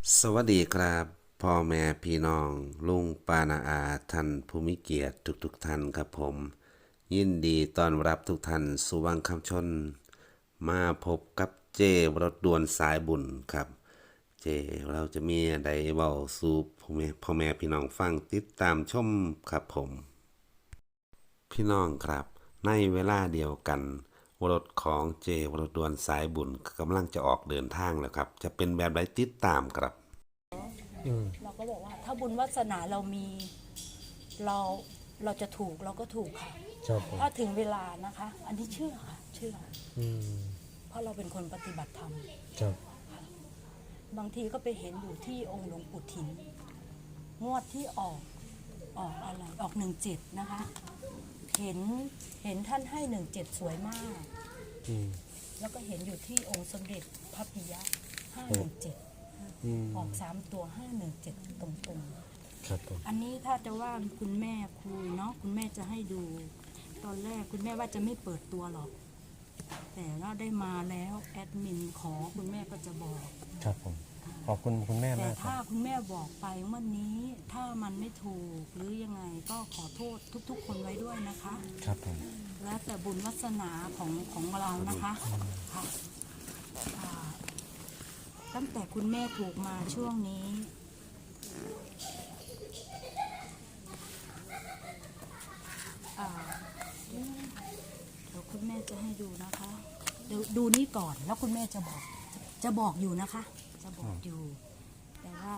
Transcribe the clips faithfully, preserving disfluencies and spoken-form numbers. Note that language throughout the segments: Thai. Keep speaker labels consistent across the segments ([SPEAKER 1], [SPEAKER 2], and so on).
[SPEAKER 1] สวัสดีครับพ่อแม่พี่น้องลุงป้านาอาท่านผู้มีเกียรติทุกๆทท่านครับผมยินดีต้อนรับทุกท่านสู่วังคำชนมาพบกับเจรถด่วนสายบุญครับเจเราจะมีอะไรเว้าสู่พ่อแม่พ่อแม่พี่น้องฟังติดตามชมครับผมพี่น้องครับในเวลาเดียวกันรถของเจรถด่วนสายบุญกำลังจะออกเดินทางแล้วครับจะเป็นแบบไรติดตามครับ
[SPEAKER 2] เราก็บอกว่าถ้าบุญวาสนาเรามีเราเราจะถูกเราก็ถูกค่ะ
[SPEAKER 3] ครับผม
[SPEAKER 2] ถ้าถึงเวลานะคะ อันนี้เชื่อค่ะเชื่อ
[SPEAKER 3] อืม
[SPEAKER 2] เพราะเราเป็นคนปฏิบัติธรรม
[SPEAKER 3] ครับ
[SPEAKER 2] บางทีก็ไปเห็นอยู่ที่องค์หลวงปู่ถินงวดที่ออกออกอะไรออกหนึ่งเจ็ดนะคะ เห็นเห็นท่านให้หนึ่งเจ็ดสวยมาก
[SPEAKER 3] อืม
[SPEAKER 2] แล้วก็เห็นอยู่ที่องค์สมเด็จพระปิยะห้าหนึ่งเจ็ด
[SPEAKER 3] อืม
[SPEAKER 2] ออกสามตัวห้าหนึ่งเจ็ดตรงๆ
[SPEAKER 3] ครับผม
[SPEAKER 2] อันนี้ถ้าจะว่าคุณแม่คุยเนาะคุณแม่จะให้ดู ตอนแรกคุณแม่ว่าจะไม่เปิดตัวหรอก แต่เราได้มาแล้วแอดมินขอคุณแม่ก็จะบอก
[SPEAKER 3] ครับผม ขอบคุณคุณแม่
[SPEAKER 2] แต่
[SPEAKER 3] มากครั
[SPEAKER 2] ถ้า
[SPEAKER 3] บ
[SPEAKER 2] คุณแม่บอกไปวันนี้ถ้ามันไม่ถูกหรือยังไงก็ขอโทษทุกๆ คนไว้ด้วยนะคะ
[SPEAKER 3] ครับผม
[SPEAKER 2] แล้วแต่บุญวาสนาของของเรานะคะค่ะอ่าตั้งแต่คุณแม่ถูกมาช่วงนี้ อ่าเดี๋ยวคุณแม่จะให้ดูนะคะ เดี๋ยวดูนี่ก่อนแล้วคุณแม่จะบอก จะบอกอยู่นะคะ จะบอกอยู่ แต่ว่า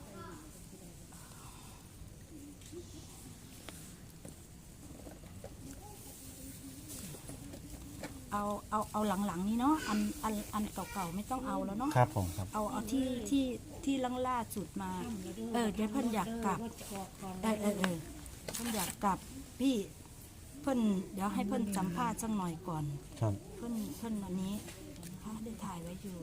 [SPEAKER 2] เอาเอาเอาหลังๆนี้เนาะอันอันอันเก่าๆไม่ต้องเอาแล้วเนาะ
[SPEAKER 3] ครับผมครับ
[SPEAKER 2] เอาเอาที่ที่ที่ล่างล่าสุดมา เออเดี๋ยวเพิ่นอยากกลับเออเออเออเพิ่นอยากกลับพี่เพิ่นเดี๋ยวให้เพิ่นสัมภาษณ์สักหน่อยก่อน
[SPEAKER 3] ครับ
[SPEAKER 2] เพิ่นเพิ่นอันนี้เขาได้ถ่ายไว้อยู่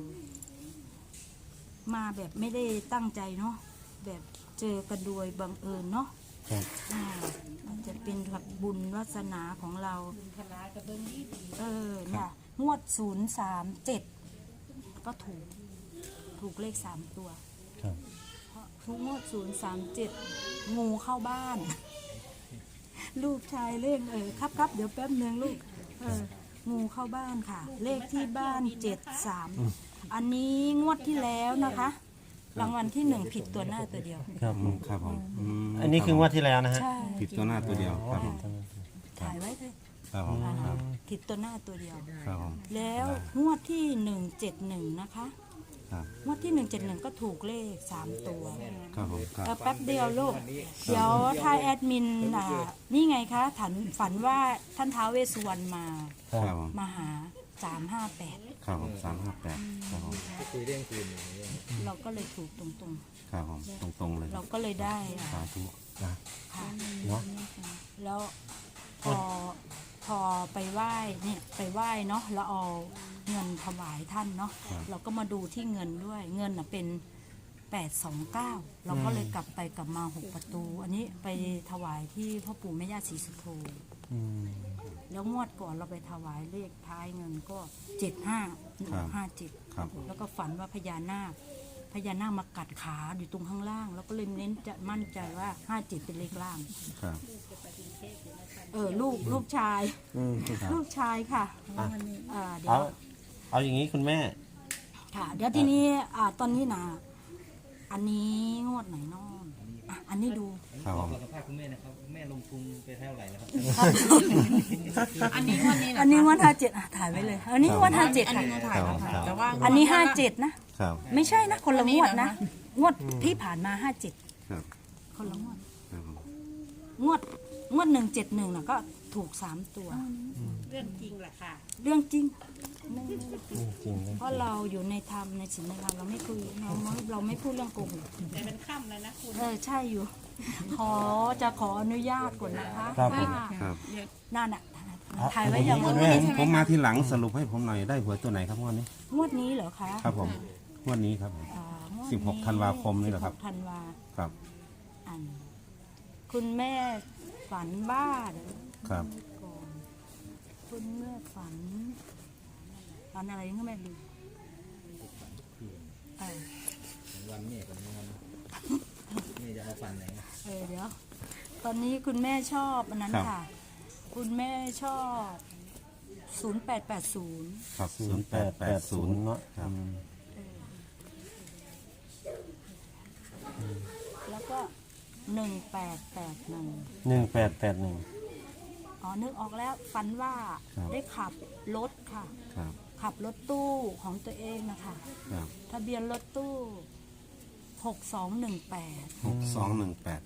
[SPEAKER 2] มาแบบไม่ได้ตั้งใจเนาะแบบเจอกันโดยบังเอิญเนาะ
[SPEAKER 3] ครับ
[SPEAKER 2] อ่ามันจะเป็นแบบบุญวาสนาของเราเออเนี่ยงวดศูนย์สามเจ็ดก็ถูก ถูกเลขสามตัว
[SPEAKER 3] ครับ
[SPEAKER 2] เพราะทุกงวดศูนย์สามเจ็ดงูเข้าบ้าน ลูกชายเล่นเออครับครับเดี๋ยวแป๊บนึงลูกเอองูเข้าบ้านค่ะ เลขที่บ้านเจ็ดสามอันนี้งวดที่แล้วนะคะ รางวัลที่หนึ่งผิดตัวหน้าตัวเดียว
[SPEAKER 3] ครับ
[SPEAKER 1] อืมครับผมอืม
[SPEAKER 3] อันนี้คืองวดที่แล้วนะฮะ
[SPEAKER 2] ใช่
[SPEAKER 1] ผิดตัวหน้าตัวเดียวครับผม
[SPEAKER 2] ถ่ายไว้เลย
[SPEAKER 1] ครับผมครับ
[SPEAKER 2] ผิดตัวหน้าตัวเดียว
[SPEAKER 1] ครับผม
[SPEAKER 2] แล้วงวดที่หนึ่งเจ็ดหนึ่งนะคะ
[SPEAKER 1] ครับ
[SPEAKER 2] งวดที่หนึ่งเจ็ดหนึ่งก็ถูกเลขสามตัว
[SPEAKER 1] ครับผมครับ
[SPEAKER 2] เออแป๊บเดียวลูก เดี๋ยวถ้าแอดมินอ่ะนี่ไงคะถันฝันว่าท่านท้าวเวสสุวรรณมา
[SPEAKER 1] ครับผม
[SPEAKER 2] มาหาสามห้าแปด
[SPEAKER 1] ครับผมสามห้าแปดครับผม
[SPEAKER 2] เราก็เลยถูกตรง
[SPEAKER 1] ครับผมตรงๆเลย
[SPEAKER 2] ๆ เราก็เลยได้อ่ะ
[SPEAKER 1] สาธุนะ
[SPEAKER 2] ค่ะ
[SPEAKER 3] เนาะ
[SPEAKER 2] แล้วพอพอไปไหว้เนี่ยไปไหว้เนาะแล้วเอาเงินถวายท่านเนาะเราก็มาดูที่เงินด้วยเงินน่ะเป็นแปดสองเก้าเราก็เลยกลับไปกลับมาหกประตู อันนี้ไปถวายที่พ่อปู่แม่ย่าศรีสุโธ
[SPEAKER 3] อืม
[SPEAKER 2] แล้วงวดก่อนเราไปถวายเลขท้ายเงินก็เจ็ดห้าห้าเจ็ด
[SPEAKER 1] ครับ
[SPEAKER 2] แล้วก็ฝันว่าพญานาคพญานาคมากัดขาอยู่ตรงข้างล่าง แล้วก็เลยเน้นจะมั่นใจว่าห้าเจ็ดเป็นเลขล่าง
[SPEAKER 1] ครับ
[SPEAKER 2] เออลูกลูกชาย
[SPEAKER 3] อืม
[SPEAKER 2] ลูกชายค่ะ
[SPEAKER 3] อ่ะ
[SPEAKER 2] อ่าเดี๋ย
[SPEAKER 3] เอา
[SPEAKER 2] ว
[SPEAKER 3] เอาอย่างนี้คุณแม่
[SPEAKER 2] ค่ะ เดี๋ยวทีนี้อ่าตอนนี้นะอันนี้งวดไหนเนอนอ่ะอันนี้ดู
[SPEAKER 1] ครับผม
[SPEAKER 4] สัมภาษณ์คุณแม่นะครับคุณแม่ลงทุนไปเท่าไหร่แล้วครับ
[SPEAKER 5] อันนี้วันนี้
[SPEAKER 2] อันนี้งวดห้าเจ็ดอ่ะถ่ายไว้เลย อันนี้งวดห้าเจ็ด
[SPEAKER 5] อัน
[SPEAKER 2] ค่ะ
[SPEAKER 5] นี้ถ่ายแล้วค่ะแต่ว่า
[SPEAKER 2] อันนี้ห้าเจ็ดนะครับ ไม่ใช่นะคนละงวดนะงวดที่ผ่านมาห้าเจ็ด
[SPEAKER 1] ครับ
[SPEAKER 2] คนละงวด
[SPEAKER 1] ครับผม
[SPEAKER 2] งวดงวดหนึ่งเจ็ดหนึ่งน่ะก็ถูกสามตัว
[SPEAKER 5] เรื่องจริงแหละค่ะ
[SPEAKER 2] เรื่องจริง
[SPEAKER 3] จริงเลย
[SPEAKER 2] เพราะเราอยู่ในธรรมในศีลในธรรมเราไม่คุยเราเราไม่พูดเรื่องโกหก
[SPEAKER 5] แต่เป็นค่ำเลยนะคุณ
[SPEAKER 2] เออใช่อยู่ ขอจะขออนุญาตก่อนนะคะ
[SPEAKER 3] ครับผม
[SPEAKER 2] ว่า
[SPEAKER 1] ครับ
[SPEAKER 2] นั่นอ่ะ
[SPEAKER 3] เอา
[SPEAKER 2] ถ่ายไว้อย่าง
[SPEAKER 3] คุ
[SPEAKER 2] ง
[SPEAKER 3] ณ
[SPEAKER 2] ว
[SPEAKER 3] แม่
[SPEAKER 2] ดนี้
[SPEAKER 1] ผมมาทีหลังสรุปให้ผมหน่อยได้หวยตัวไหนครับงวดนี้
[SPEAKER 2] งวดนี้เหรอคะ
[SPEAKER 1] ครับผมงวดนี้ครับผม
[SPEAKER 2] อ่างวดนี้
[SPEAKER 1] สิบหกธันวาคมนี่เหรอครับ
[SPEAKER 2] สิหกธันวา
[SPEAKER 1] ครับ
[SPEAKER 2] อัน คุณแม่ฝันว่าเดี๋ยว
[SPEAKER 1] ครับ
[SPEAKER 2] ก่อนคุณแม่ฝันฝันอะไรก็ไม่รู้เออ
[SPEAKER 4] วันแม่กับงานไหนนะ
[SPEAKER 2] เออเดี๋ยว ตอนนี้คุณแม่ชอบอันนั้น
[SPEAKER 1] ครับ
[SPEAKER 2] ค่ะ คุณแม่ชอบศูนย์แปดแปดศูนย์
[SPEAKER 1] ครับ
[SPEAKER 3] ศู
[SPEAKER 1] ศู
[SPEAKER 3] น
[SPEAKER 1] น
[SPEAKER 3] ย์
[SPEAKER 1] ย์
[SPEAKER 3] แป
[SPEAKER 1] แป
[SPEAKER 3] ด
[SPEAKER 1] ด
[SPEAKER 3] แป
[SPEAKER 1] แป
[SPEAKER 3] ด
[SPEAKER 1] ด
[SPEAKER 3] ศู
[SPEAKER 1] ศู
[SPEAKER 3] น
[SPEAKER 1] น
[SPEAKER 3] ย์
[SPEAKER 1] ย์
[SPEAKER 3] เนาะอืม
[SPEAKER 2] แล้วก็หนึ่งแปดแปดหนึ่ง
[SPEAKER 3] หนึ่งแปดแปดหนึ่ง
[SPEAKER 2] อ๋อนึกออกแล้วฝันว่าได้ขับรถค่ะ
[SPEAKER 1] ครับ
[SPEAKER 2] ขับรถตู้ของตัวเองนะคะ
[SPEAKER 1] ครับ
[SPEAKER 2] ทะเบียนรถตู้หกสองหนึ่งแปด
[SPEAKER 1] หกสองหนึ่งแปด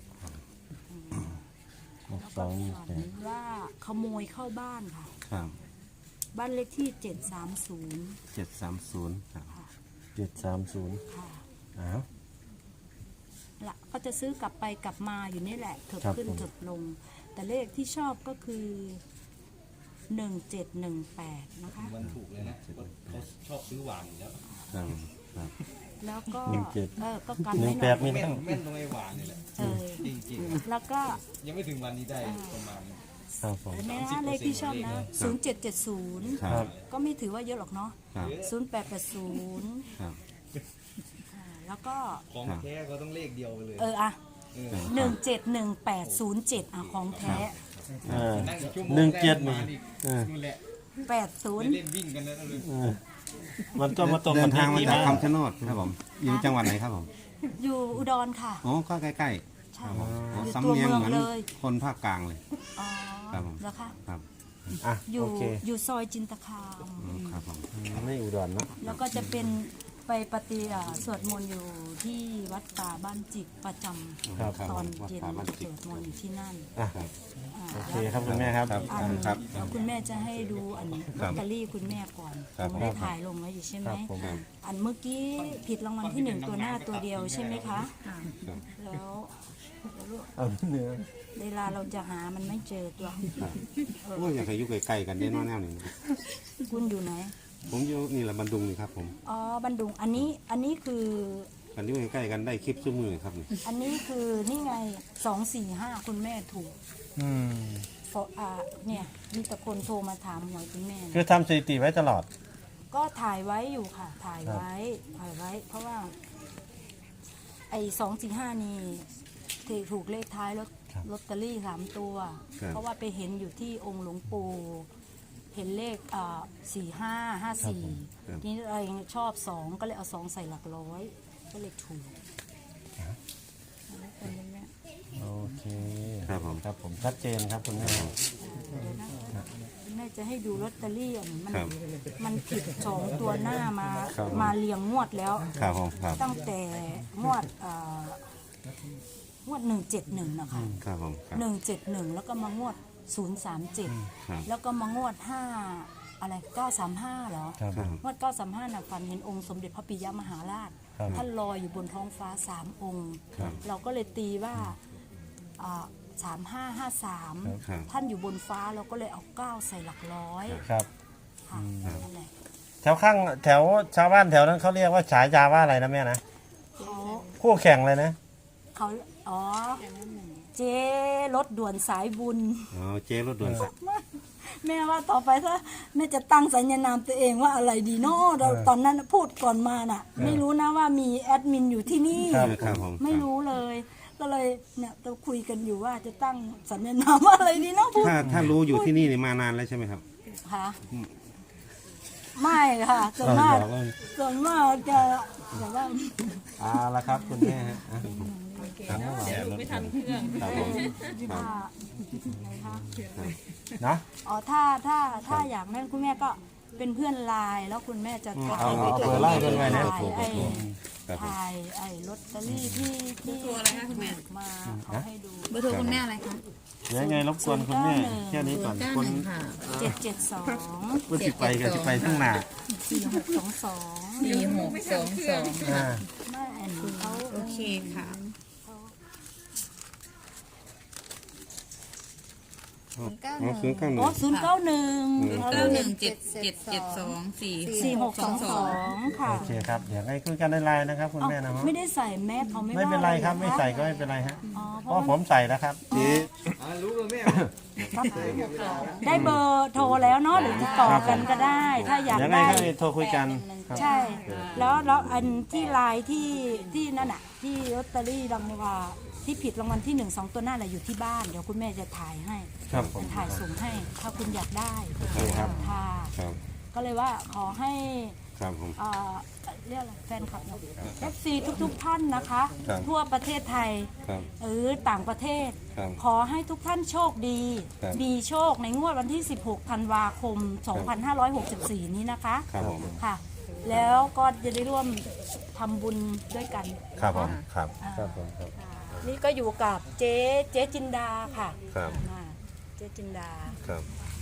[SPEAKER 3] หก
[SPEAKER 2] แล้ว
[SPEAKER 3] ส
[SPEAKER 2] ก็
[SPEAKER 3] อง
[SPEAKER 2] ฝั
[SPEAKER 3] แป
[SPEAKER 2] น
[SPEAKER 3] ด
[SPEAKER 2] ว่าขโมยเข้าบ้านค่ะ
[SPEAKER 1] ครับ
[SPEAKER 2] บ้านเลขที่เจ็ดสามศูนย์
[SPEAKER 1] เจ็ดสามศูนย์ครับ
[SPEAKER 3] เจ็ดสามศูนย์
[SPEAKER 2] ค่ะ
[SPEAKER 3] อ้าว
[SPEAKER 2] ละก็จะซื้อกลับไปกลับมาอยู่นี่แหละเถิบ
[SPEAKER 3] ครับ
[SPEAKER 2] ขึ้น
[SPEAKER 3] ผม
[SPEAKER 2] เถิบลง แต่เลขที่ชอบก็คือหนึ่งเจ็ดหนึ่งแปดนะคะ
[SPEAKER 4] วันถูกเลยนะเขาชอบซื้อหวานอยู่แล้ว
[SPEAKER 1] ครับครับ
[SPEAKER 2] แล้วก็
[SPEAKER 3] หนึ่งเจ็ด
[SPEAKER 2] เออก็กัน
[SPEAKER 3] หนึ่
[SPEAKER 2] ไว้
[SPEAKER 3] ง
[SPEAKER 2] ห
[SPEAKER 3] แป
[SPEAKER 2] น่อ
[SPEAKER 3] ด
[SPEAKER 2] ย
[SPEAKER 3] มี
[SPEAKER 4] แม่น
[SPEAKER 3] ตั้ง
[SPEAKER 4] แม่นตรงไอ้หวานนี่แหละ
[SPEAKER 2] เออ
[SPEAKER 4] จริง
[SPEAKER 2] แล้วก็
[SPEAKER 4] ๆ ยังไม่ถึงวันนี้ได้ประมาณ
[SPEAKER 3] ครับผม
[SPEAKER 2] เห็นไหมนะเลขที่ชอบนะศูนย์เจ็ดเจ็ดศูนย์
[SPEAKER 1] ครับ
[SPEAKER 2] ก็ไม่ถือว่าเยอะหรอกเนาะ
[SPEAKER 1] ครับ
[SPEAKER 2] ศูนย์แปดแปดศูนย์
[SPEAKER 1] ครับ
[SPEAKER 2] แล้วก็
[SPEAKER 4] ของแท้เขาต้องเลขเดียวไปเลย
[SPEAKER 2] เอออะ
[SPEAKER 4] เออ
[SPEAKER 2] หนึ่งเจ็ดหนึ่งแปดศูนย์เจ็ดอ่ะของแท้
[SPEAKER 3] เออ
[SPEAKER 4] นั่งอีกชั่วโมง
[SPEAKER 3] หนึ่งเจ็ด
[SPEAKER 4] แรก
[SPEAKER 3] นี่
[SPEAKER 4] มาอีก
[SPEAKER 3] เออ
[SPEAKER 4] นู่นแหละ
[SPEAKER 2] แปดศูนย์
[SPEAKER 4] เล่นวิ่งกันแล้วเลย
[SPEAKER 3] เออมันก็มาตรง
[SPEAKER 1] เดิ
[SPEAKER 3] กัน
[SPEAKER 1] นทางมา
[SPEAKER 3] ที่
[SPEAKER 1] จาก
[SPEAKER 3] บ้าน
[SPEAKER 1] คำชะโนดครับผมอยู่จังหวัดไหนครับผม
[SPEAKER 2] อยู่อุดรค่ะ
[SPEAKER 1] โอ้ก็ใกล้
[SPEAKER 2] ใช่
[SPEAKER 1] ๆครับผมโอ้
[SPEAKER 2] อยู่
[SPEAKER 1] สำ
[SPEAKER 2] ตัว
[SPEAKER 1] เนียง
[SPEAKER 2] เมือง
[SPEAKER 1] เหมือน
[SPEAKER 2] เลย
[SPEAKER 1] คนภาคกลางเลย
[SPEAKER 2] อ๋อ
[SPEAKER 1] ครับผม
[SPEAKER 2] แล้วค่ะ
[SPEAKER 1] ครับ
[SPEAKER 3] อ่ะ
[SPEAKER 2] อยู่
[SPEAKER 3] โอเค
[SPEAKER 2] อยู่ซอยจินตคาม
[SPEAKER 1] อืมครับผม
[SPEAKER 3] ไม่อุดรเนาะ
[SPEAKER 2] แล้วก็จะเป็นไปปฏิอ่าสวดมนต์อยู่ที่วัดป่าบ้านจิกประจ
[SPEAKER 3] ครับ
[SPEAKER 2] ำตอนเย็น
[SPEAKER 1] วัดป่าบ้าน
[SPEAKER 2] ส
[SPEAKER 1] จิก
[SPEAKER 2] วดมนต์อยู่ที่นั่น
[SPEAKER 3] อ่ะ
[SPEAKER 1] ครับ
[SPEAKER 2] อ่า
[SPEAKER 3] โอเคครับคุณแม่ครับ
[SPEAKER 1] ครับ
[SPEAKER 2] อัน
[SPEAKER 1] ครับ
[SPEAKER 2] แล้วคุณแม่จะให้ดูอันล
[SPEAKER 1] ครั
[SPEAKER 2] อบ ตเตอรี่คุณแม่ก่อน
[SPEAKER 1] ครับ
[SPEAKER 2] ผมได้ถ่ายลงไว้อยู่ใช่ไหม
[SPEAKER 3] ครับผม
[SPEAKER 2] อันเมื่อกี้ผิดรางวัลที่หนึ่งตัวหน้าตัวเดียวใช่ไหมคะ แล้ว
[SPEAKER 3] เอาเนื้อ
[SPEAKER 2] เวลาเราจะหามันไม่เจอตัว
[SPEAKER 1] โอ้ยอยากให้อยู่ใกล้ๆกันได้น้อยแนวหนึ่ง
[SPEAKER 2] คุณอยู่ไหน
[SPEAKER 1] ผมอยู่นี่แหละบันดุงนี่ครับผม
[SPEAKER 2] อ๋อบันดุงอันนี้อันนี้คือ
[SPEAKER 1] กันอยู่ใกล้ๆกันได้คลิปซุ้มือครับนี่
[SPEAKER 2] อันนี้คือนี่ไงสองสี่ห้าคุณแม่ถูก
[SPEAKER 3] อืม
[SPEAKER 2] เพราะอ่าเนี่ยมีแต่คนโทรมาถามหวยคุณแม่
[SPEAKER 3] คือทำสถิติไว้ตลอด
[SPEAKER 2] ก็ถ่ายไว้อยู่ค่ะ ถ่ายไว้ถ่ายไว้ เพราะว่า ไอ้สองสี่ห้านี่ที่ถูกเลขท้ายลอต
[SPEAKER 3] ครับ
[SPEAKER 2] ลอตเตอรี่สามตัว เพราะว่าไปเห็นอยู่ที่องค์หลวงปู่เห็นเลขอ่าสี่ห้าห้าสี่ทีนี้เรายังชอบสองก็เลยเอาสองใส่หลักร้อย ก็เลยถูกแล้วเป็นอย่างเงี้ย
[SPEAKER 3] โอเค
[SPEAKER 1] ครับผม
[SPEAKER 3] ครับผมชัดเจนครับคุณแม่
[SPEAKER 2] เดี๋ยวนะแม่จะให้ดูลอตเตอรี่อ่ะมัน
[SPEAKER 1] ครับ
[SPEAKER 2] มันผิดสองตัวหน้ามา
[SPEAKER 1] ครับ
[SPEAKER 2] มาเรียงงวดแล้ว
[SPEAKER 1] ครับผมครับ
[SPEAKER 2] ตั้งแต่งวดเอ่องวดหนึ่งเจ็ดหนึ่งนะคะ
[SPEAKER 1] ครับผมครับ
[SPEAKER 2] หนึ่งเจ็ดหนึ่งแล้วก็มางวดศูนย์สามเจ็ด
[SPEAKER 1] ครับ
[SPEAKER 2] แล้วก็มางวดห้าอะไรเก้าสามห้าเหรอ
[SPEAKER 3] ครับ
[SPEAKER 1] ครับ
[SPEAKER 2] งวดเก้าสามห้าน่ะฝันเห็นองค์สมเด็จพระปิยมหาราช
[SPEAKER 3] ครับ
[SPEAKER 2] ท่านลอยอยู่บนท้องฟ้าสามองค์
[SPEAKER 1] ครับ
[SPEAKER 2] เราก็เลยตีว่าสามห้าห้าสาม
[SPEAKER 1] ครับ
[SPEAKER 2] ท่านอยู่บนฟ้าเราก็เลยเอาเก้าใส่หลักร้อย
[SPEAKER 3] ครับ
[SPEAKER 2] ค่ะนั่นแหละ
[SPEAKER 3] แถวข้างแถวชาวบ้านแถวนั้นเขาเรียกว่าฉายาว่าอะไรนะแม่นะ
[SPEAKER 2] เขา
[SPEAKER 3] คู่แข่งเลยนะ
[SPEAKER 2] เขาอ๋อเจ๊รถด่วนสายบุญ
[SPEAKER 1] อ๋อเจ๊รถด่วน
[SPEAKER 2] แม่ว่าต่อไปถ้าแม่จะตั้งสัญญานามตัวเองว่าอะไรดีเนาะเราตอนนั้นพูดก่อนมาน่ะ ไม่รู้นะว่ามีแอดมินอยู่ที่นี่
[SPEAKER 3] ครับ
[SPEAKER 1] ครับผม
[SPEAKER 2] ไม่รู้เลย ก็เลยเนี่ยเราคุยกันอยู่ว่าจะตั้งสัญญานามว่าอะไรดีเนาะพูด
[SPEAKER 1] ถ้าถ้ารู้อยู่ที่นี่นี่มานานแล้วใช่ไหมครับ
[SPEAKER 2] ค่ะไม่ค่ะส่วนมากส่วนมากจะแบบว่า
[SPEAKER 3] เอาละครับคุณแม่ฮะอ่ะ
[SPEAKER 5] ไม่ทันเครื่อง
[SPEAKER 1] ครับผม
[SPEAKER 2] ว่าอะไรคะ
[SPEAKER 3] เนาะ
[SPEAKER 2] อ๋อถ้าถ้าถ้าอยากนั่นคุณแม่ก็เป็นเพื่อนไลน์แล้วคุณแม่จะ
[SPEAKER 3] เอาเอาเบอร์ไล่กันไว้นะ
[SPEAKER 2] ถ่ายไอ้
[SPEAKER 1] ครับผม
[SPEAKER 2] ถ่ายไอ้ลอตเตอรี่ที่ที่
[SPEAKER 5] ตัวอะไรคะคุณแม่
[SPEAKER 2] ถูกมาเขาให้ดู
[SPEAKER 5] เบอร์โทรคุณแม่อะไรคะ
[SPEAKER 3] เดี๋ยวยังไงรบกวนคุณแม่แค่นี้ก่อนคน
[SPEAKER 2] เจ็ดเจ็ดสอง
[SPEAKER 3] คนสิไปกันสิไปข้างหน้า
[SPEAKER 2] สี่หกสองสอง
[SPEAKER 5] สี่หกสองสอง
[SPEAKER 3] อ่า
[SPEAKER 2] ไม่อันนี้เขา
[SPEAKER 5] โอเคค่ะ
[SPEAKER 1] อ๋อศูนย์เก้าหนึ่
[SPEAKER 2] อ๋อง ศูนย์เก้าหนึ่ง
[SPEAKER 5] เก้าหนึ่งเจ็ดเจ็ดเจ็ดสองสี่
[SPEAKER 2] สี่หกสองสองค่ะ
[SPEAKER 3] โอเคครับเดี๋ยวให้คุยกันในไลน์นะครับคุณ
[SPEAKER 2] เอ้า
[SPEAKER 3] แม่นะฮะ
[SPEAKER 2] ไม่ได้ใส่แมสเขาไม่
[SPEAKER 3] ไม่
[SPEAKER 2] ว่า
[SPEAKER 3] เป็นไรครับ
[SPEAKER 2] หอ
[SPEAKER 3] ไม่ใส่ก็ไม่เป็นไรฮะ
[SPEAKER 2] อ๋อเพ
[SPEAKER 3] เพราะ
[SPEAKER 2] ราะ
[SPEAKER 3] ผมใส่แล้วครับ
[SPEAKER 1] เจ๊เอา
[SPEAKER 4] อ่ารู้แล้วแม่
[SPEAKER 2] ได้เบอร์โทรแล้วเนาะหรือติดต่อกันก็ได้ ถ้าอยาก
[SPEAKER 3] ยังไง
[SPEAKER 2] ได้
[SPEAKER 3] ก็โทรคุยกันครับ
[SPEAKER 2] ใช่ แล้วแล้วอันที่ไลน์ที่ที่นั่นอ่ะ ที่ลอตเตอรี่รางวัลที่ผิดรางวัลที่หนึ่งสองตัวหน้าแหละอยู่ที่บ้าน เดี๋ยวคุณแม่จะถ่ายให้
[SPEAKER 3] ครับผม
[SPEAKER 2] จะถ่ายส่งให้ ถ้าคุณอยากได้
[SPEAKER 3] ครับ
[SPEAKER 2] ค่ะ
[SPEAKER 1] ครับ
[SPEAKER 2] ก็เลยว่าขอให้
[SPEAKER 1] ครับผม
[SPEAKER 2] เอ่อเรียกอะไรแฟนคลับเอฟซีทุกๆท่านนะคะ
[SPEAKER 1] ครับ
[SPEAKER 2] ทั่วประเทศไทย
[SPEAKER 1] ครับ
[SPEAKER 2] หรือต่างประเทศ
[SPEAKER 1] ครับ
[SPEAKER 2] ขอให้ทุกท่านโชคดี
[SPEAKER 1] ครับ
[SPEAKER 2] มีโชคในงวดวันที่ สิบหก ธันวาคม สองพันห้าร้อยหกสิบสี่ นี้นะคะ
[SPEAKER 1] ครับผม
[SPEAKER 2] ค่ะ แล้วก็จะได้ร่วมทำบุญด้วยกัน
[SPEAKER 3] ครับผมครับ
[SPEAKER 1] ครับผมครับ
[SPEAKER 2] นี่ก็อยู่กับเจ๊เจ๊จินดาค่ะ
[SPEAKER 1] ครับ
[SPEAKER 2] อ่าเจ๊จินดา
[SPEAKER 1] ครับ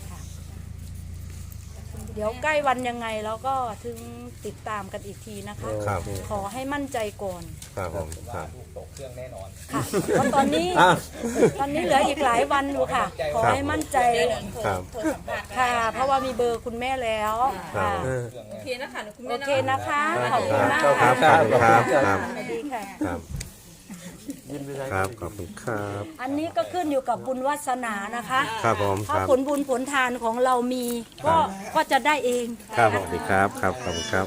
[SPEAKER 2] เดี๋ยวใกล้วันยังไงแล้วก็ถึงติดตามกันอีกทีนะคะ
[SPEAKER 1] ครับ
[SPEAKER 2] ขอให้มั่นใจก่อน
[SPEAKER 1] ครับผมครับ
[SPEAKER 4] ตกเครื่องแน่นอน
[SPEAKER 2] ค่ะเพราะตอนนี้
[SPEAKER 3] อ่ะ
[SPEAKER 2] ตอนนี้เหลืออีกหลายวันอยู่ค่ะ ขอให้มั่นใจ
[SPEAKER 1] ครับ
[SPEAKER 2] ค่ะ เพราะว่ามีเบอร์คุณแม่แล้วค่ะ
[SPEAKER 5] โอเคนะคะคุณ
[SPEAKER 2] โอ
[SPEAKER 5] แม่
[SPEAKER 2] เคนะคะ ขอบคุณมาก
[SPEAKER 1] ครั
[SPEAKER 2] ค่ะ
[SPEAKER 1] บครับครับ
[SPEAKER 2] สวัสดีค่ะ
[SPEAKER 1] ครับครับขอบคุณครับ
[SPEAKER 2] อันนี้ก็ขึ้นอยู่กับบุญวาสนานะคะ
[SPEAKER 1] ครับผมค
[SPEAKER 2] ถ้า
[SPEAKER 1] รับ
[SPEAKER 2] ผลบุญผลทานของเรามีก็ก็จะได้เอง
[SPEAKER 1] ครับสวัสดีครับครับขอบคุณครับ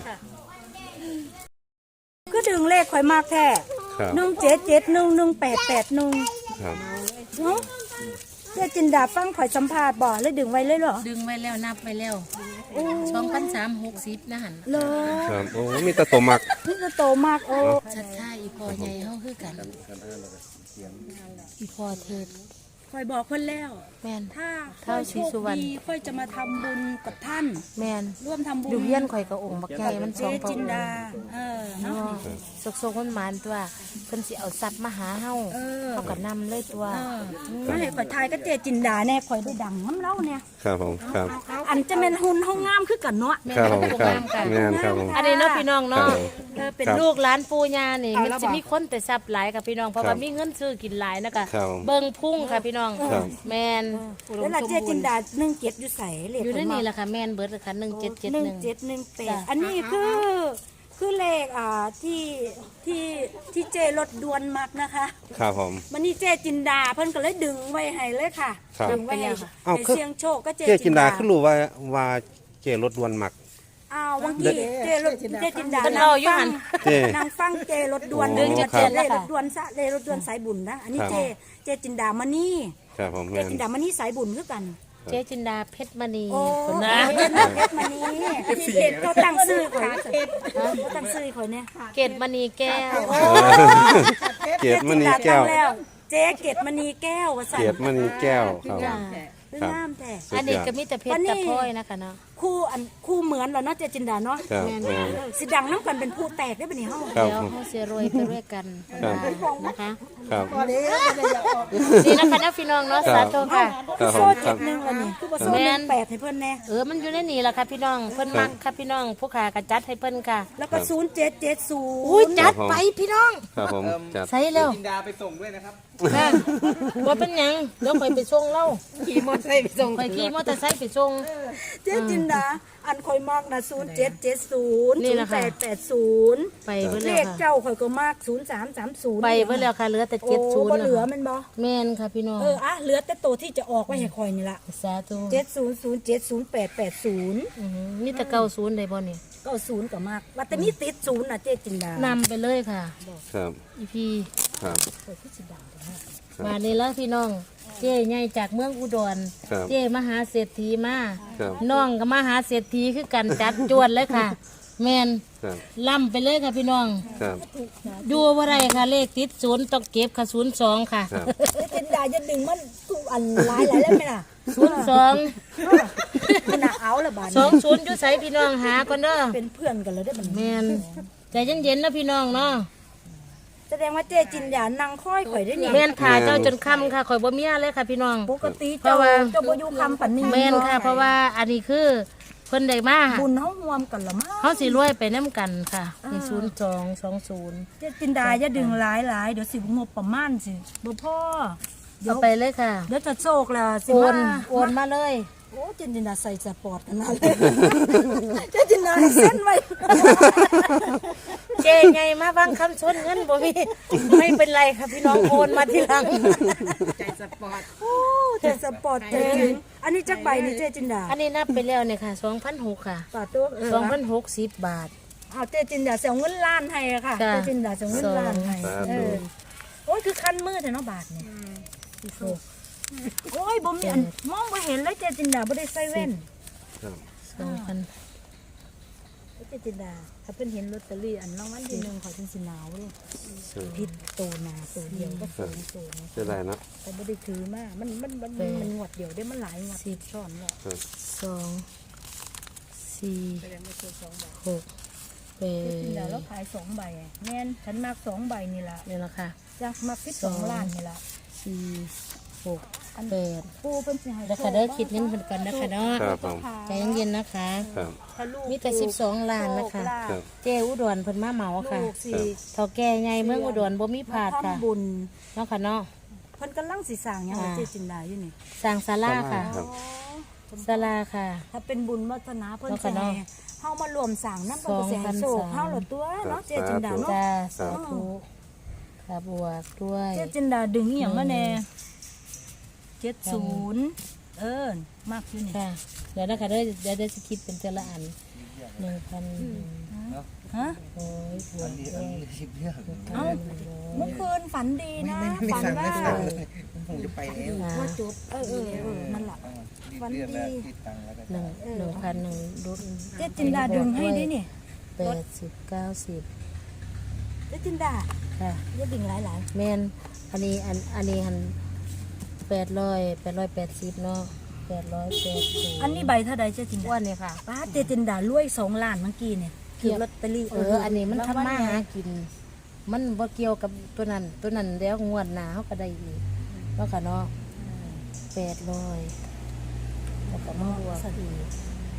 [SPEAKER 2] ก็ดึงเลขข่อยมากแท้
[SPEAKER 1] ครับ
[SPEAKER 2] หนึ่งเจ็ดเจ็ดหนึ่งหนึ่งแปดแปดหนึ่ง
[SPEAKER 1] ครับ
[SPEAKER 2] เนาะเจ๊จินดาฟังข่อยสัมภาษณ์บ่เลยดึงไว้เลยเหรอ
[SPEAKER 5] ดึงไว้แล้วนับไว้แล้วสองพันสามหกสิบนะหัน
[SPEAKER 2] เลย
[SPEAKER 1] ครับโอ้มีแตะตัวมัก
[SPEAKER 2] นี่จะโตมากโอ้
[SPEAKER 5] ชัดชาอีพอใหญ่เฮาคือกัน อีพอเทศ
[SPEAKER 2] ข่อยบอกเพิ่นแล้ว
[SPEAKER 5] แม่น
[SPEAKER 2] ถ้า
[SPEAKER 5] เท้า
[SPEAKER 2] ค่อย
[SPEAKER 5] ศรี
[SPEAKER 2] โช
[SPEAKER 5] สุ
[SPEAKER 2] คว
[SPEAKER 5] รรณ
[SPEAKER 2] ดีค่อยจะมาทำบุญกับท่าน
[SPEAKER 5] แม่น
[SPEAKER 2] ร่วมทำบุญ
[SPEAKER 5] อยู่เฮียนข่อยกับองค์บักใหญ่มันส
[SPEAKER 2] เจ๊
[SPEAKER 5] องพระ
[SPEAKER 2] จิ
[SPEAKER 5] อน งค์
[SPEAKER 2] ดา เออเนาะ
[SPEAKER 5] สกสกมันหมานตัวเพิ่นสิเอาทรัพย์มาหาเฮา
[SPEAKER 2] เออ
[SPEAKER 5] เฮาก็นำเลยตัว
[SPEAKER 2] เออมาให้ข่อยทายก็เจ๊จินดาแน่ข่อยได้ดังน้ำเล่าเนี่ย
[SPEAKER 1] ครับผมครับ
[SPEAKER 2] อันจะเป็นหุ่นห้องงามคือกันเนาะ
[SPEAKER 1] ครับผมครับแม่นครับผม
[SPEAKER 5] อันนี้เนาะพี่น้อง
[SPEAKER 1] ครั
[SPEAKER 5] เนาะ
[SPEAKER 1] บผม
[SPEAKER 2] เออเป็น
[SPEAKER 1] ครับ
[SPEAKER 5] ลูกหลานปู่ย่านี่มันจะมีคนแต่ทรัพย์หลายกับพี่น้องเพราะว่ามีเงินซื้อกินหลายนะคะ
[SPEAKER 1] ครับ
[SPEAKER 5] เบิ่งพุ่งค่ะพี่น้อง
[SPEAKER 1] ครับ
[SPEAKER 5] แม่น
[SPEAKER 2] แล้วล่ะเจ๊จินดาหนึ่งเจ็ดอยู่ใส่เลข
[SPEAKER 5] อยู่ในนี่แหละค่ะแม่นเบิดเลยค่ะหนึ่งเจ็ดเจ็ด
[SPEAKER 2] หนึ่
[SPEAKER 5] ห
[SPEAKER 2] ง
[SPEAKER 5] นึ่ง
[SPEAKER 2] เจ็ดหนึ่งแปด
[SPEAKER 5] จ้ะ
[SPEAKER 2] อันนี้คือคือเลขอ่าที่ที่ที่เจรถดวนมักนะคะ
[SPEAKER 1] ครับผม
[SPEAKER 2] มันนี่เจจินดาเพิ่นก็เลยดึงไว้ให้เลยค่ะ
[SPEAKER 1] ครับ
[SPEAKER 2] ดึงไว้ให้
[SPEAKER 1] อ้าว
[SPEAKER 2] ให้
[SPEAKER 1] คือ
[SPEAKER 2] เสียงโชคก็เจ
[SPEAKER 1] เจ๊จินดาคือรู้ว่าว่าเจรถดวนมัก
[SPEAKER 2] อ้าวบางทีเจรถเจจินดา
[SPEAKER 5] เพิ่นเอาอยู่
[SPEAKER 2] ฟั
[SPEAKER 5] หั่น
[SPEAKER 1] เจ๊
[SPEAKER 2] นางฟังเจรถดวน
[SPEAKER 1] โอ้
[SPEAKER 2] เจ
[SPEAKER 1] ครับ
[SPEAKER 2] เลรถดวนซะเลรถดวนสายบุญนะอันนี้
[SPEAKER 1] ครับ
[SPEAKER 2] เจเจจินดามานี่
[SPEAKER 1] ครับผม
[SPEAKER 2] เจ
[SPEAKER 1] แม่น
[SPEAKER 2] จินดามานี่สายบุญคือกัน
[SPEAKER 5] เจ๊จินดาเพชรมณี
[SPEAKER 2] โอ้
[SPEAKER 5] คน
[SPEAKER 2] เพ
[SPEAKER 5] นะ
[SPEAKER 2] ชรนะเพชรมานี่เพชรเขาตั้งชื่อข่อยเขาตั้งชื่อข่อยเนี่ย
[SPEAKER 5] เกตมณีแก้ว
[SPEAKER 1] เกียรติมณีแก้ว
[SPEAKER 2] เจ๊จินดาตั้งแล้วเจ๊เกตมณีแก้วว่าสั่น
[SPEAKER 1] เกียรติมณีแก้วครับ
[SPEAKER 5] จ้า
[SPEAKER 2] เป็นงามแท้
[SPEAKER 5] อันนี้ก็มีแต่เพชรแต่พลอยนะคะเนาะ
[SPEAKER 2] คู่อันคู่เหมือนเหราเนาะเจจินดาเนาะ
[SPEAKER 1] ครับแม่น
[SPEAKER 2] เออสิดังน้ำกันเป็นผู้แตกได้ปะเนี่ยเฮา
[SPEAKER 1] ครับ
[SPEAKER 5] เดี๋ยว
[SPEAKER 1] ผม
[SPEAKER 5] เขาเสียรวยไปด้วยกัน
[SPEAKER 1] ครับ
[SPEAKER 5] นะคะ
[SPEAKER 1] ครับ
[SPEAKER 5] นี่นะคะนะพี่น้องเนาะสาธุค่ะ
[SPEAKER 1] ครับผ
[SPEAKER 2] โซ่
[SPEAKER 1] มค
[SPEAKER 2] เจ็
[SPEAKER 1] รับ
[SPEAKER 2] ดหนึ่งละนี่คือว่าโซ่
[SPEAKER 5] แม่
[SPEAKER 2] หนึ่
[SPEAKER 5] น
[SPEAKER 2] งแปดให้เพิ่นแน่
[SPEAKER 5] เออมันอยู่ในนี่แหละค่ะพี่น้องเพิ่นมักค่ะพี่น้องผู้ขากระจัดให้เพิ่นค่ะ
[SPEAKER 2] แล้วก็ศูนย์เจ็ดเจ็ดศูนย์
[SPEAKER 5] อุ้ยจัดไปพี่น้อง
[SPEAKER 1] ครับผมจัด
[SPEAKER 5] ใส่แล้ว
[SPEAKER 4] จินดาไปส่งด้วยนะครับ
[SPEAKER 5] ค่ะว่าเป็นหยังเดี๋ยวข่อยไปส่งเล่าขี่มอเตอร์ไซค์ไปส่งข่อยขี่มอเตอร์ไซค์ไปส่ง
[SPEAKER 2] เจจินดาอันข่อยมากนะศูนย์เจ็ดเจ็ดศูนย์
[SPEAKER 5] นี่
[SPEAKER 2] ศูน
[SPEAKER 5] นะ
[SPEAKER 2] ย์
[SPEAKER 5] คะ
[SPEAKER 2] แปดแปดศูนย์
[SPEAKER 5] ไปเบิ่
[SPEAKER 2] เล
[SPEAKER 5] แล้ว
[SPEAKER 2] ข
[SPEAKER 5] ค่ะ
[SPEAKER 2] เจ้าข่อยก็มากศูนย์สามสามศูนย์
[SPEAKER 5] ไปเบิ่แล้วค่ะเหลือแต่
[SPEAKER 2] โอ้
[SPEAKER 5] เจ็ดศูนย์
[SPEAKER 2] บ่
[SPEAKER 5] นะ
[SPEAKER 2] เหลือ
[SPEAKER 5] คะ
[SPEAKER 2] มันบ่
[SPEAKER 5] แม่นค่ะพี่น้อง
[SPEAKER 2] เอออ่ะเหลือแต่ตัวที่จะออกไว้ให้ข่อยนี่ล่ะ
[SPEAKER 5] สาธุ
[SPEAKER 2] เจ็ดศูนย์ศูนย์เจ็ดศูนย์แปดแปดศูนย์
[SPEAKER 5] อือหือมีแต่เก้าศูนย์ได้บ่นี่
[SPEAKER 2] ก็ศูนย์ก็มากว่าแต่มีติดศูนย์น่ะเจจินดาน
[SPEAKER 5] ำไปเลยค่ะ
[SPEAKER 1] ครับ
[SPEAKER 5] อีพี
[SPEAKER 1] ครับ
[SPEAKER 5] มานี่แล้วพี่น้อง เจ๊ใหญ่จากเมืองอุดร
[SPEAKER 1] ครับ
[SPEAKER 5] เจ๊มหาเศรษฐีมา
[SPEAKER 1] ครับ
[SPEAKER 5] น้องก็มหาเศรษฐีคือกันจัดจวนเลยค่ะ แมน
[SPEAKER 1] ครับ
[SPEAKER 5] ล่ำไปเลยค่ะพี่น้อง
[SPEAKER 1] ครับ
[SPEAKER 5] ดูว่าไรค่ะเลขติดศูนย์ต้องเก็บค่ะศูนย์สองค่ะ
[SPEAKER 1] ครับ
[SPEAKER 2] เจจินดาจะดึงมันทุกอันหลายหลายแล้วไหมล่ะ
[SPEAKER 5] ศูนย์สอง
[SPEAKER 2] ขนาดเอาละบาด
[SPEAKER 5] สองศูนย์อยู่ใสพี่น้องหาก่อนเด้อ
[SPEAKER 2] เป็นเพื่อนกันเลยได้บัด
[SPEAKER 5] แม
[SPEAKER 2] นี้
[SPEAKER 5] นใจเย็นๆนะพี่น้องเนาะ
[SPEAKER 2] แสดงว่าเจจินดานั่งค่อยข่อยได้นี่
[SPEAKER 5] แมนถ่าเจ้าจนค่ำค่ะข่อยบ่เมียเลยค่ะพี่น้อง
[SPEAKER 2] ปกติ
[SPEAKER 5] เพ
[SPEAKER 2] เจ้า
[SPEAKER 5] ราะว่า
[SPEAKER 2] เจ้าบ่อยู่คำปันนี้
[SPEAKER 5] แมนค่ะ เพราะว่าอันนี้คือเพิ่นได้มา
[SPEAKER 2] บุญเฮาห่วมกันละมั้ง
[SPEAKER 5] เขาสิรวยไปน้ำกันค่ะมีศูนย์สองสองศูนย์
[SPEAKER 2] เจจินดาอย่าดึงหลายหลายๆเดี๋ยวสิงบประมาณสิบ่พอเดี๋ย
[SPEAKER 5] เอา
[SPEAKER 2] ว
[SPEAKER 5] ไปเลยค่ะ
[SPEAKER 2] เดี๋ยวจะโชคละสิ
[SPEAKER 5] โอน
[SPEAKER 2] มา
[SPEAKER 5] โอนมาเลย
[SPEAKER 2] โอ้เจนจินดาใส่สปอร์ตขนาดเลยเจนจินดาเส้นไว้
[SPEAKER 5] เจ๊ไงมาบางคำชนเงินบ่มีไม่เป็นไรค่ะพี่น้องโอนมาทีหลัง
[SPEAKER 2] ใจสปอร์ตโอ้ใจสปอร์ตเจนอันนี้จักใบนี่เจจินดา
[SPEAKER 5] อันนี้นับไปแล้วเนี่ยค่ะสองพันหกค่ะ
[SPEAKER 2] ป่าตัวเออ
[SPEAKER 5] สองพันหกสิบบาท
[SPEAKER 2] เอาเจจินดาเสียเงินล้านให้อะค่ะ
[SPEAKER 5] จ้ะ
[SPEAKER 2] เจจินดาเสียเงินล้านให้
[SPEAKER 1] สา
[SPEAKER 2] เอ
[SPEAKER 1] ธุ
[SPEAKER 2] อโอ้ยคือคันมือแต่เนาะบาทเนี่ยโอ้ยบ่มีอันมองบ่เห็นเลยเจจินดาบ่ได้ใส่แว่น
[SPEAKER 1] ครับ
[SPEAKER 5] สองพัน
[SPEAKER 2] เจจินดาถ้าเพิ่นเห็นลอตเตอรี่อันรางวัลที่หนึ่งขอเพิ่นสิหนาวเลยผิดตัวหนาตัวเดียวก็สองตัวนะ
[SPEAKER 1] จะได้เนาะ
[SPEAKER 2] แต่บ่ได้ถือมามันมันมันมันมันงวดเดียวได้มันหลายงวดสิบซ้อนแล้ว
[SPEAKER 1] ครับ
[SPEAKER 5] สองสี่หกแป
[SPEAKER 2] เจจินดา
[SPEAKER 5] ด
[SPEAKER 2] แล้วขายสองใบอะแม่นฉันมักสองใบนี่ล่ะ
[SPEAKER 5] เนี่ยละค่ะ
[SPEAKER 2] จักมักสิบสองล้านนี่ล่ะ
[SPEAKER 5] สี่หกแปด
[SPEAKER 2] ปูเพิ่นสิให้
[SPEAKER 5] แล้วค่ะเด้อคิดเงินเพิ่นกันนะคะเนาะ
[SPEAKER 1] ครับผม
[SPEAKER 5] ใจเย็นๆนะคะ
[SPEAKER 1] ครับ
[SPEAKER 2] ถ้าลูก
[SPEAKER 5] มีแต่สิบสองล้านนะคะ
[SPEAKER 1] ครับ
[SPEAKER 5] เจ้อุดรเพิ่นมาเหมาค่ะ
[SPEAKER 2] ลูกสิ
[SPEAKER 5] เฒ่าแก่ใหญ่เมืองอุดรบ่มีพลาดค่ะ
[SPEAKER 2] ทำบุญ
[SPEAKER 5] เนาะค่ะเนาะ
[SPEAKER 2] เพิ่นกำลังสิสร้างหยังให้
[SPEAKER 5] อ่า
[SPEAKER 2] เจจินดาอยู่นี่
[SPEAKER 5] สร้างศาลาค่ะ
[SPEAKER 1] ครับ
[SPEAKER 5] ศาลาค่ะ
[SPEAKER 2] ถ้าเป็นบุญวัฒนาเพิ่น
[SPEAKER 5] เนาะ
[SPEAKER 2] สิ
[SPEAKER 5] ค่ะเนาะ
[SPEAKER 2] ให้เฮามารวมสร้างนำเพิ่นก็สิให้โชคเฮาละตัวเนาะเจจินดาเนาะ
[SPEAKER 5] จ้าสาธุค่ะบวกด้วย
[SPEAKER 2] เจจินดาดึงอีหยังมาแน่เจ็ดสิบเอิ้นมากอยู่นี่
[SPEAKER 5] ค่ะเดี๋ยวนะคะเดี๋ยวเดี๋ยวเดี๋ยวจะคิดเป็นแต่ละอันหนึ่งพัน
[SPEAKER 2] ฮะ
[SPEAKER 5] โอ้ยบวกด้วย
[SPEAKER 2] เอ้าเมื่อคืนฝันดีนะฝันว่า
[SPEAKER 4] ผมจะไปแล้ว
[SPEAKER 5] อ่า
[SPEAKER 2] ว่าจบเออเออเออนั่นล่ะฝัน
[SPEAKER 4] เรียกแล้ว
[SPEAKER 2] ดี
[SPEAKER 4] คิดตังค์แล้วก็
[SPEAKER 5] หนึ่งหนึ่งพันหนึ่งรุ่น
[SPEAKER 2] เจจินดาดึงให้ดินี่
[SPEAKER 5] แปดสิบเก้าสิบ
[SPEAKER 2] เจจินดา
[SPEAKER 5] ค่ะ
[SPEAKER 2] อย่าดึงหลาย
[SPEAKER 5] แมนอันนี้อันอันนี้หันแปดร้อยแปดร้อยแปดสิบเนาะแปดร้อยแปดสิบ
[SPEAKER 2] ๆอันนี้ใบเท่าใดเจจิน
[SPEAKER 5] อ้ว
[SPEAKER 2] ดาน
[SPEAKER 5] เนี่ยค่ะ
[SPEAKER 2] ป้าเจจินดารวยสองล้านเมื่อกี้เนี่ยคือลอตเตอรี่
[SPEAKER 5] เออ อันนี้มันทำมาหากิน มันบ่เกี่ยวกับตัวนั้น ตัวนั้นแล้วงวดหนาเขาก็ได้อีกเนาะค่ะเนาะแปดร้อยแล้วก็มาบวกอีก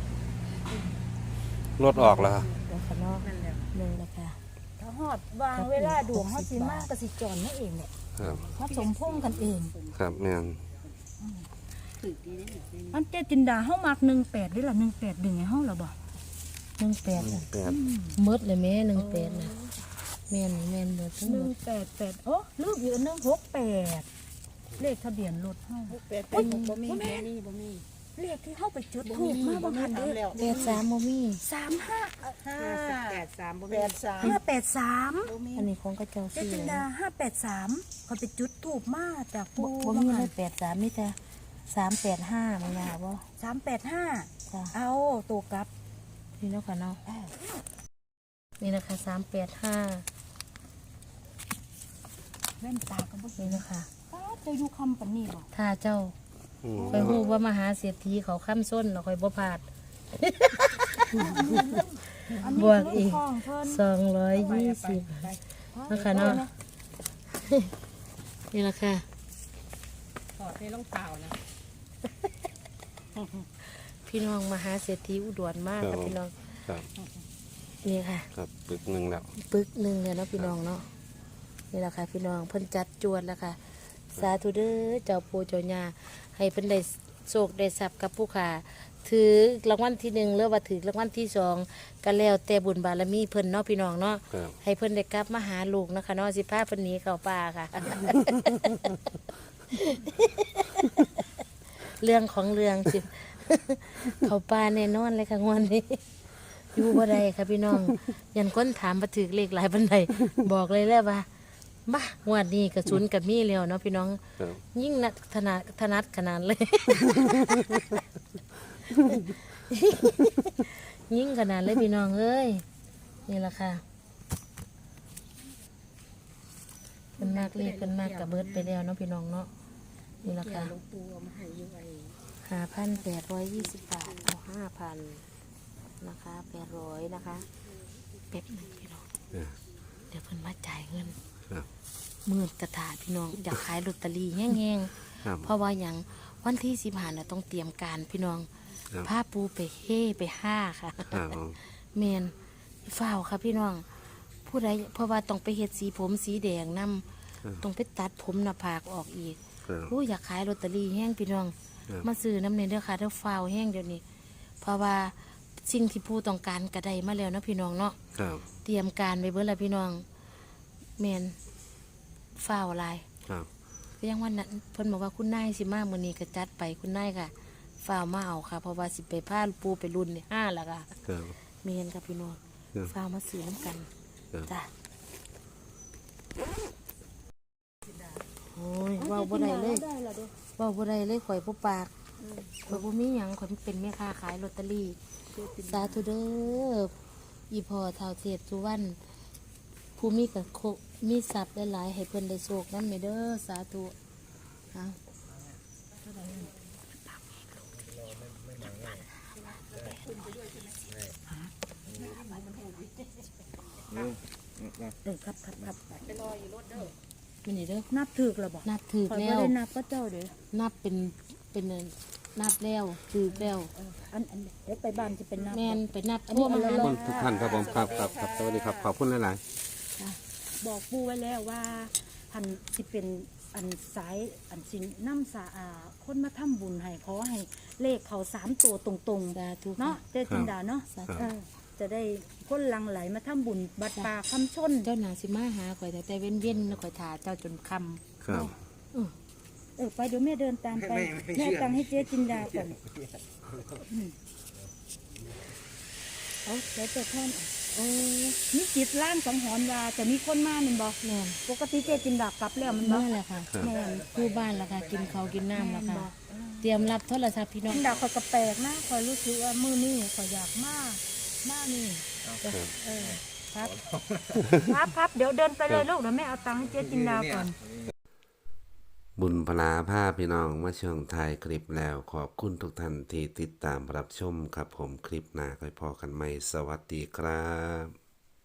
[SPEAKER 1] รถออกแล้วครับ
[SPEAKER 5] แล้วค่ะเนาะหนึ่งนะคะ
[SPEAKER 2] ถ้าฮอดวางเวลาดวงเฮาสิมากก็สิจอนนั่นเองเนี่ย
[SPEAKER 1] ครับ
[SPEAKER 2] มาสมพงษ์กันเอง
[SPEAKER 1] ครับแม่น
[SPEAKER 2] อันเจจินดาเฮามักหนึ่งแปดด้วยล่ะหนึ่งแปดดึงให้เฮาล่ะบ่
[SPEAKER 5] หนึ่งแปดน่ะ
[SPEAKER 1] แปด
[SPEAKER 5] หมืดเลยแม่หนึ่งแปดนะแม่นแม่นหมดทั้ง
[SPEAKER 2] ห
[SPEAKER 5] หม
[SPEAKER 2] นึ่ง
[SPEAKER 5] ด
[SPEAKER 2] แปดแปดโอ้ลืมอยู่อันหนึงหกแปดเลขทะเบียนรถเฮาหกแปดบ่มีบ่มีบ่มีเลขที่เฮาไปจุดถูกมาบ่ทันเด้
[SPEAKER 5] แปดสามโมมี่
[SPEAKER 2] สามห้า
[SPEAKER 6] ห้าแปดสามแปดสาม
[SPEAKER 2] ห้าแปดสาม
[SPEAKER 5] อันนี้ของกระเจ้า
[SPEAKER 2] เจ
[SPEAKER 5] สี่
[SPEAKER 2] จินดาห้าแปดสามเขาไปจุดถูกมาจาก
[SPEAKER 5] บ่
[SPEAKER 2] ปู
[SPEAKER 5] บ่มีเลยแปดสามมีแต่สามแปดห้ามันยาวบ่
[SPEAKER 2] สามแปดห้า
[SPEAKER 5] จ้ะ
[SPEAKER 2] เอาตัวกลับ
[SPEAKER 5] นี่เนาะค่ะเนาะนี่นะคะสามแปดห้า
[SPEAKER 2] แว่นตาก็บ่เห็
[SPEAKER 5] นี่
[SPEAKER 2] น
[SPEAKER 5] นะคะ
[SPEAKER 2] ป้าเจะอยู่คำปานนี้บ่
[SPEAKER 5] ถ้าเจ้า
[SPEAKER 1] อืม
[SPEAKER 5] คอยฮู้ว่ามหาเศรษฐีเขาค้ำส้นเราคอยบ่พลาด
[SPEAKER 2] อันนี้
[SPEAKER 5] บวกอีก
[SPEAKER 2] เรื่องของเพิ่น
[SPEAKER 5] สองร้อยยี่สิบนะคะเนาะนี่แหละค่ะ
[SPEAKER 6] ถอดในรองเท้านะ
[SPEAKER 5] พี่น้องมหาเศรษฐีอุดรมากค่ะพี่น้อง
[SPEAKER 1] ครับ
[SPEAKER 5] นี่ค่ะ
[SPEAKER 1] ครับปึกหนึ่งแล้ว
[SPEAKER 5] ปึกหนึ่งเลยเนาะพี่น้องเนาะนี่แหละค่ะพี่น้องเพิ่นจัดจวนแล้วค่ะ สาธุเด้อเจ้าปู่เจ้าย่าให้เพิ่นได้โชคได้ทรัพย์กับผู้ขาถือรางวัลที่หนึ่งหรือว่าถือรางวัลที่สองก็แล้วแต่บุญบารมีเพิ่นเนาะพี่น้องเนาะ
[SPEAKER 1] ครับ
[SPEAKER 5] ให้เพิ่นได้กลับมาหาลูกนะคะเนาะสิพาเพิ่นหนีเข้าป่าค่ะ เรื่องของเรื่องสิ เข้าป่าแน่นอนเลยค่ะงวดนี้ อยู่บ่ได้ค่ะพี่น้อง ยันคนถามมาถือเลขหลายบันได บอกเลยแล้วว่าบ้างวดนี้กระสุนกับมีแล้วเนาะพี่น้อง
[SPEAKER 1] ครับ
[SPEAKER 5] ยิ่งนัดถนัดถนัดขนาดเลย ยิ่งขนาดเลยพี่น้องเอ้ยนี่แหละค่ะเป็นมากเรียกเป็นมากกับเบิร์ดไปแล้วเนาะพี่น้องเนาะนี่แหละค่ะ
[SPEAKER 6] หลวงปู่เอามาให้อยู่ไอ้
[SPEAKER 5] ห้าพันแปดร้อยยี่สิบบาทเอาห้าพันนะคะแปดร้อยนะคะแป๊บหนึงพี่น้อง
[SPEAKER 1] เออ
[SPEAKER 5] เดี๋ยวเพิ่นมาจ่ายเงิน
[SPEAKER 1] ครับ
[SPEAKER 5] มืดกระถาพี่น้องอยากขายลอตเตอรี่แห้ง
[SPEAKER 1] ครับ
[SPEAKER 5] ๆเพราะว่าอย่างวันที่สิบห้าน่ะต้องเตรียมการพี่น้อง
[SPEAKER 1] ครับ
[SPEAKER 5] ผ้าปูไปเฮ่ไปห้าค่ะ
[SPEAKER 1] ครับผม
[SPEAKER 5] เมนฝ้าวค่ะพี่น้อง ผู้ใดเพราะว่าต้องไปเฮ็ดสีผมสีแดงนำต้องไปตัดผมหน้าผากออกอีก
[SPEAKER 1] ครับ
[SPEAKER 5] ผู้อยากขายลอตเตอรี่แห้งพี่น้องมาซื้อน้ำเนยเด้อค่ะเด้อฟ้าวแห้งเดี๋ยวนี้ เพราะว่าสิ่งที่ผู้ต้องการกระไดมาแล้วเนาะพี่น้องเนาะ
[SPEAKER 1] ครับ
[SPEAKER 5] เตรียมการไปเบิดแล้วพี่น้องแมนฟ้าวหลาย
[SPEAKER 1] ครับ
[SPEAKER 5] ก็ยังวันนั้นเพิ่นบอกว่าคุณนายสิมามื้อนี้ก็จัดไปคุณนายค่ะฟ้าวมาเอาค่ะ เพราะว่าสิไปพาปูไปรุ่นนี่ห้าแล้วค่ะ
[SPEAKER 1] ครับ
[SPEAKER 5] แมนกับพี่น้อง
[SPEAKER 1] ครับ
[SPEAKER 5] ฟ้าวมาซื้อน้ำกัน
[SPEAKER 1] ครับ
[SPEAKER 5] จ้ะโอ้ยเว้าบ่ได้เลยเว้าบ่ได้เลยข่อยบ่ปากข่อยบ่มีหยังข่อยเป็นแม่ค้าขายลอตเตอรี่สาธุเด้ออีพ่อเฒ่าเทศสุวรรณผู้มีกับโคมีทรัพย์หลายๆให้เพิ่นได้โชคนำเด้อสาธุเอา
[SPEAKER 2] เออครับครับครับ
[SPEAKER 5] มันนี่เด้อ
[SPEAKER 2] นับถือแล้วบอก
[SPEAKER 5] นับถือ
[SPEAKER 2] คอย
[SPEAKER 5] แล้
[SPEAKER 2] บ่
[SPEAKER 5] ว
[SPEAKER 2] ได้นับก็เจ้าเด้อ
[SPEAKER 5] นับเป็นเป็นนับแล้วถือแล้ว
[SPEAKER 2] อันอันเดี๋ยวไปบ้านจะเป็นนับ
[SPEAKER 5] แม่นไปนับ
[SPEAKER 2] อันนี้
[SPEAKER 5] ทั่วมา
[SPEAKER 2] อันละ
[SPEAKER 5] หา
[SPEAKER 1] ขอบคุณทุกท่านครับผมครับครับครับสวัสดีครับขอบคุณหลาย
[SPEAKER 2] บอกปู่ไว้แล้วว่าพันสิเป็นอันสายอันสินน้ำสาอาคนมาทำบุญให้ขอให้เลขเขาสามตัวตรง
[SPEAKER 5] สาธุ
[SPEAKER 2] ๆเนาะเจ้าจินดาเนาะ
[SPEAKER 5] สาธุ
[SPEAKER 2] เออจะได้คนหลังไหลมาทำบุญบัดป่าคำชน
[SPEAKER 5] เจ้าหนาสิมาหาข่อยแต่แต่เว้นเว้นๆข่อยถาเจ้าจนค
[SPEAKER 1] ๆครับ
[SPEAKER 2] เออไปเดี๋ยวแม่เดินตามไปแม่ตังให้เจ๊จินดาก่อนอืมเอาเดี๋ยวจะท่านโอ้มีจิตล่างสังหรณ์ว่าจะมีคนมาหนึ่งบอก
[SPEAKER 5] ำแม่น
[SPEAKER 2] ปกติเจ๊จินดากลับแล้วมันบอ
[SPEAKER 5] มาก แหละค่ะ
[SPEAKER 2] แม่น
[SPEAKER 5] ผู้บ้านละค่ะ กินข้าวกินน้ำละค่ะ เตรียมรับโทรศัพท์พี่น้อง
[SPEAKER 2] จินดาคอยกระแปลกนะคอยรู้สึกว่ามือนี่คอยอยากมากมากนี่เออครับ ครับครับเดี๋ยวเดินไปเลยลูกเดี๋ยวแม่เอาตังค์ให้เจ๊จินดาก่อน
[SPEAKER 1] บุญพลาภาพพี่น้องมาช่วงท้ายคลิปแล้วขอบคุณทุกท่านที่ติดตามรับชมครับผมคลิปหน้าค่อยพอกันใหม่สวัสดีครับ